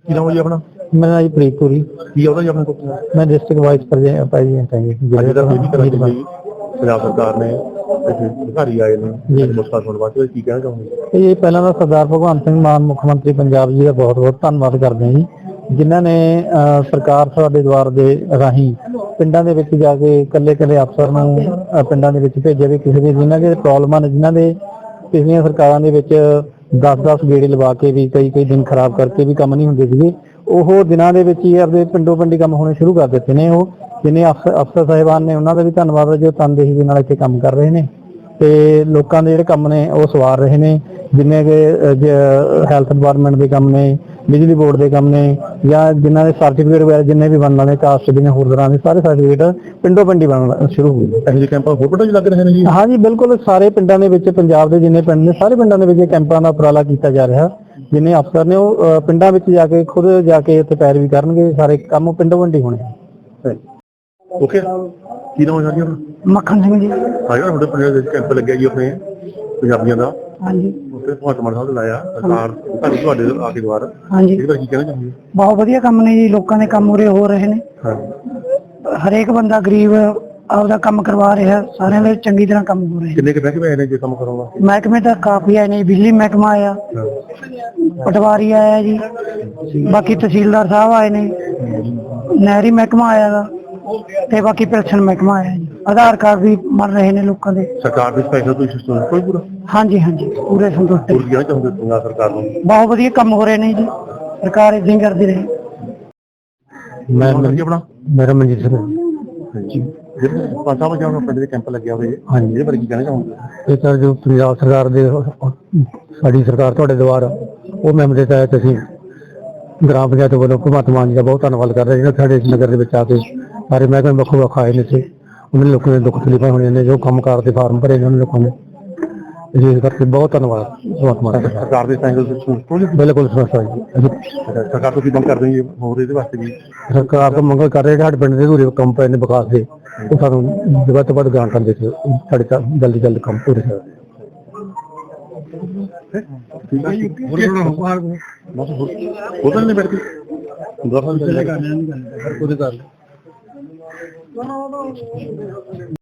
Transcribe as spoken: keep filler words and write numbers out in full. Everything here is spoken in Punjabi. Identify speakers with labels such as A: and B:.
A: ਕੀ ਨਾਮ ਹੈ ਜੀ ਆਪਣਾ?
B: ਮੇਰਾ ਨਾਮ ਜੀ ਪ੍ਰੀਤਪੁਰੀ।
A: ਕੀ ਆਉਂਦਾ ਜੀ ਆਪਣੇ ਕੋਲ?
B: ਮੈਂ ਡਿਸਟ੍ਰਿਕਟ ਵਾਈਸ ਪ੍ਰੈਜ਼ੀਡੈਂਟ ਹਾਂ ਜੀ।
A: ਅੱਜ ਦਾ ਇਹ ਵੀ ਕਰਾਂਗੇ ਜੀ, ਪੰਜਾਬ ਸਰਕਾਰ ਨੇ ਅਧਿਕਾਰੀ ਆਏ ਨੇ ਨਮਸਕਾਰ ਸੁਣਨ ਵਾਸਤੇ, ਕੀ ਕਹਿਣਾ ਚਾਹੁੰਦੇ?
B: ਇਹ ਪਹਿਲਾਂ ਤਾਂ ਸਰਦਾਰ ਭਗਵੰਤ ਸਿੰਘ ਮਾਨ ਮੁੱਖ ਮੰਤਰੀ ਪੰਜਾਬ ਜੀ ਦਾ ਬਹੁਤ ਬਹੁਤ ਧੰਨਵਾਦ ਕਰਦੇ ਹਾਂ ਜੀ, ਜਿਨ੍ਹਾਂ ਨੇ ਅਹ, ਸਰਕਾਰ ਸਾਡੇ ਦੁਆਰ ਦੇ ਰਾਹੀਂ ਪਿੰਡਾਂ ਦੇ ਵਿੱਚ ਜਾ ਕੇ ਇਕੱਲੇ ਇਕੱਲੇ ਅਫਸਰ ਨੂੰ ਅਹ, ਪਿੰਡਾਂ ਦੇ ਵਿੱਚ ਭੇਜਿਆ ਵੀ ਕਿਸੇ ਦੇ ਜਿਨ੍ਹਾਂ ਦੇ ਪ੍ਰੋਬਲਮਾਂ ਨੇ, ਜਿਨ੍ਹਾਂ ਦੇ ਪਿਛਲੀਆਂ ਸਰਕਾਰਾਂ ਦੇ ਵਿੱਚ ਦਸ ਦਸ ਗੇੜੇ ਲਵਾ ਕੇ ਵੀ ਕਈ ਕਈ ਦਿਨ ਖਰਾਬ ਕਰਕੇ ਵੀ ਕੰਮ ਨਹੀਂ ਹੁੰਦੇ ਸੀਗੇ, ਉਹ ਦਿਨਾਂ ਦੇ ਵਿੱਚ ਹੀ ਆਪਦੇ ਪਿੰਡੋਂ ਪਿੰਡੀ ਕੰਮ ਹੋਣੇ ਸ਼ੁਰੂ ਕਰ ਦਿੱਤੇ ਨੇ। ਉਹ ਜਿੰਨੇ ਅਫਸਰ ਅਫਸਰ ਸਾਹਿਬਾਨ ਨੇ ਉਹਨਾਂ ਦਾ ਵੀ ਧੰਨਵਾਦ ਹੈ ਜੋ ਤਨਦੇਹੀ ਦੇ ਨਾਲ ਇੱਥੇ ਕੰਮ ਕਰ ਰਹੇ ਨੇ ਤੇ ਲੋਕਾਂ ਦੇ ਜਿਹੜੇ ਕੰਮ ਨੇ ਉਹ ਸਵਾਰ ਰਹੇ ਨੇ। ਜਿੰਨੇ ਕਿ ਹੈਲਥ ਡਿਪਾਰਟਮੈਂਟ ਦੇ ਕੰਮ ਨੇ, ਬਿਜਲੀ ਬੋਰਡ ਦੇ ਕੰਮ ਨੇ, ਜਾਂ ਜਿਨ੍ਹਾਂ ਦੇ ਸਰਟੀਫਿਕੇਟ ਵਗੈਰਾ ਜਿੰਨੇ ਵੀ ਬਣਨ ਵਾਲੇ ਕਾਸਟ ਦੀਆਂ ਹੋਰ ਤਰ੍ਹਾਂ ਦੇ ਸਾਰੇ ਸਰਟੀਫਿਕੇਟ ਪਿੰਡੋਂ ਪਿੰਡੀ ਬਣਨ ਸ਼ੁਰੂ ਹੋ ਗਏ।
A: ਇਹੋ ਜਿਹੇ ਕੈਂਪ ਹੋਰ ਪਿੰਡਾਂ 'ਚ ਲੱਗ ਰਹੇ ਨੇ ਜੀ?
B: ਹਾਂ ਜੀ ਬਿਲਕੁਲ, ਸਾਰੇ ਪਿੰਡਾਂ ਦੇ ਵਿੱਚ, ਪੰਜਾਬ ਦੇ ਜਿੰਨੇ ਪਿੰਡ ਨੇ ਸਾਰੇ ਪਿੰਡਾਂ ਦੇ ਵਿੱਚ ਇਹ ਕੈਂਪਾਂ ਦਾ ਉਪਰਾਲਾ ਕੀਤਾ ਜਾ ਰਿਹਾ। ਜਿੰਨੇ ਅਫਸਰ ਨੇ ਉਹ ਅਹ, ਪਿੰਡਾਂ ਵਿੱਚ ਜਾ ਕੇ ਖੁਦ ਜਾ ਕੇ ਉੱਥੇ ਪੈਰਵੀ ਕਰਨਗੇ, ਸਾਰੇ ਕੰਮ ਪਿੰਡੋਂ ਪਿੰਡੀ ਹੋਣੇ।
A: ਓਕੇ, ਕੀ ਨਾਮ ਹੈ ਜੀ ਆਪਣਾ?
B: ਮੱਖਣ ਸਿੰਘ ਜੀ।
A: ਹਾਂ, ਤੁਹਾਡੇ ਪਿੰਡ ਦੇ ਵਿੱਚ ਕੈਂਪ ਲੱਗਿਆ ਜੀ ਆਪਣੇ ਪੰਜਾਬੀਆਂ ਦਾ।
B: ਹਾਂਜੀ,
A: ਉੱਥੇ ਭਗਵੰਤ ਮਾਨ ਸਾਹਿਬ ਨੇ ਲਾਇਆ, ਸਰਕਾਰ ਤੁਹਾਨੂੰ ਤੁਹਾਡੇ ਆ ਕੇ ਦੁਆਰ।
B: ਹਾਂਜੀ,
A: ਇਹਦੇ ਬਾਰੇ ਕੀ ਕਹਿਣਾ ਚਾਹੁੰਦੇ?
B: ਬਹੁਤ ਵਧੀਆ ਕੰਮ ਨੇ ਜੀ, ਲੋਕਾਂ ਦੇ ਕੰਮ ਉਰੇ ਹੋ ਰਹੇ ਨੇ। ਹਰੇਕ ਬੰਦਾ ਗਰੀਬ ਆਪਦਾ ਕੰਮ ਕਰਵਾ ਰਿਹਾ, ਸਾਰਿਆਂ ਦੇ ਚੰਗੀ ਤਰ੍ਹਾਂ ਕੰਮ ਹੋ ਰਹੇ।
A: ਕਿੰਨੇ ਕੁ ਮਹਿਕਮੇ ਆਏ ਨੇ ਜੇ ਕੰਮ ਕਰਾਉਣਾ?
B: ਮਹਿਕਮੇ ਤਾਂ ਕਾਫੀ ਆਏ ਨੇ, ਬਿਜਲੀ ਮਹਿਕਮਾ ਆਇਆ, ਪਟਵਾਰੀ ਆਇਆ ਜੀ, ਬਾਕੀ ਤਹਿਸੀਲਦਾਰ ਸਾਹਿਬ ਆਏ ਨੇ, ਨਹਿਰੀ ਮਹਿਕਮਾ ਆਇਆ ਗਾ, ਤੇ ਬਾਕੀ ਪੈਨਸ਼ਨ ਮਹਿਕਮਾ ਆਇਆ ਜੀ। ਆਧਾਰ ਕਾਰਡ ਵੀ ਬਣ ਰਹੇ ਨੇ ਲੋਕਾਂ ਦੇ।
A: ਸਰਕਾਰ ਦੇ ਸਪੈਸ਼ਲ ਕੋਈ ਸਿਸਟਮ ਕੋਈ ਪੂਰਾ?
B: ਹਾਂਜੀ ਹਾਂਜੀ, ਪੂਰੇ ਸੰਤੁਸ਼ਟ।
A: ਹੋਰ ਕੀ ਕਹਿਣਾ ਚਾਹੁੰਦੇ ਪੰਜਾਬ ਸਰਕਾਰ ਨੂੰ?
B: ਬਹੁਤ ਵਧੀਆ ਕੰਮ ਹੋ ਰਹੇ ਨੇ ਜੀ, ਸਰਕਾਰ ਏਦਾਂ ਹੀ ਕਰਦੀ ਰਹੇ।
A: ਮੈਂ ਆਪਣਾ
B: ਮੇਰਾ ਮਨਜੀਤ ਸਿੰਘ
A: ਜੀ, ਪੰਜ ਸਾਹਿਬ ਜਾਂ ਪਿੰਡ ਦੇ ਕੈਂਪ ਲੱਗਿਆ ਹੋਵੇ, ਹਾਂਜੀ, ਇਹਦੇ ਬਾਰੇ ਕੀ ਕਹਿਣਾ ਚਾਹੁੰਦੇ?
B: ਇਹ ਤਾਂ ਜੋ ਪੰਜਾਬ ਸਰਕਾਰ ਦੇ ਸਾਡੀ ਸਰਕਾਰ ਤੁਹਾਡੇ ਦੁਆਰ ਉਹ ਮੈਂਬਰ ਦੇ ਤਹਿਤ ਅਸੀਂ ਗ੍ਰਾਮ ਪੰਚਾਇਤ ਵੱਲੋਂ ਭਗਵੰਤ ਮਾਨ ਜੀ ਦਾ ਬਹੁਤ ਧੰਨਵਾਦ ਕਰ ਰਹੇ ਜਿਹੜਾ ਸਾਡੇ ਨਗਰ ਦੇ ਵਿੱਚ ਆ ਕੇ ਸਾਰੇ ਮਹਿਕਮੇ ਵੱਖੋ ਵੱਖ ਆਏ ਨੇ ਤੇ ਉਹਨਾਂ ਲੋਕਾਂ ਦੇ ਦੁੱਖ ਤਕਲੀਫਾਂ ਹੋਣੀਆਂ ਨੇ, ਜੋ ਕੰਮ ਕਾਰ ਦੇ ਫਾਰਮ ਭਰੇ ਨੇ ਉਹਨਾਂ ਲੋਕਾਂ ਨੇ, ਇਸ ਕਰਕੇ ਬਹੁਤ ਧੰਨਵਾਦ ਭਗਵੰਤ ਮਾਨ
A: ਸਰਕਾਰ ਦੇ ਸਪੈਸ਼ਲ ਸਿਸਟਮ।
B: ਬਿਲਕੁਲ ਸਮਝਦਾ ਜੀ।
A: ਸਰਕਾਰ ਤੋਂ ਕੀ ਮੰਗ ਕਰਦੇ ਜੀ ਹੋਰ ਇਹਦੇ ਵਾਸਤੇ ਵੀ?
B: ਸਰਕਾਰ ਤੋਂ ਮੰਗ ਕਰ ਰਹੇ ਸਾਡੇ ਪਿੰਡ ਦੇ ਅਧੂਰੇ ਕੰਮ ਪਏ ਨੇ ਵਿਕਾਸ ਦੇ, ਉਹ ਸਾਨੂੰ ਵੱਧ ਤੋਂ ਵੱਧ ਗ੍ਰਾਂਟ ਦੇ ਕੇ ਸਾਡੇ ਜਲਦੀ ਜਲਦੀ ਕੰਮ ਪੂਰੇ ਕਰ।
A: ਠੀਕ ਹੈ ਜੀ, ਬਸ ਉਹਦੇ ਨੇ ਬੈਠ ਕੇ ਦਰਸ਼ਨ ਕਰ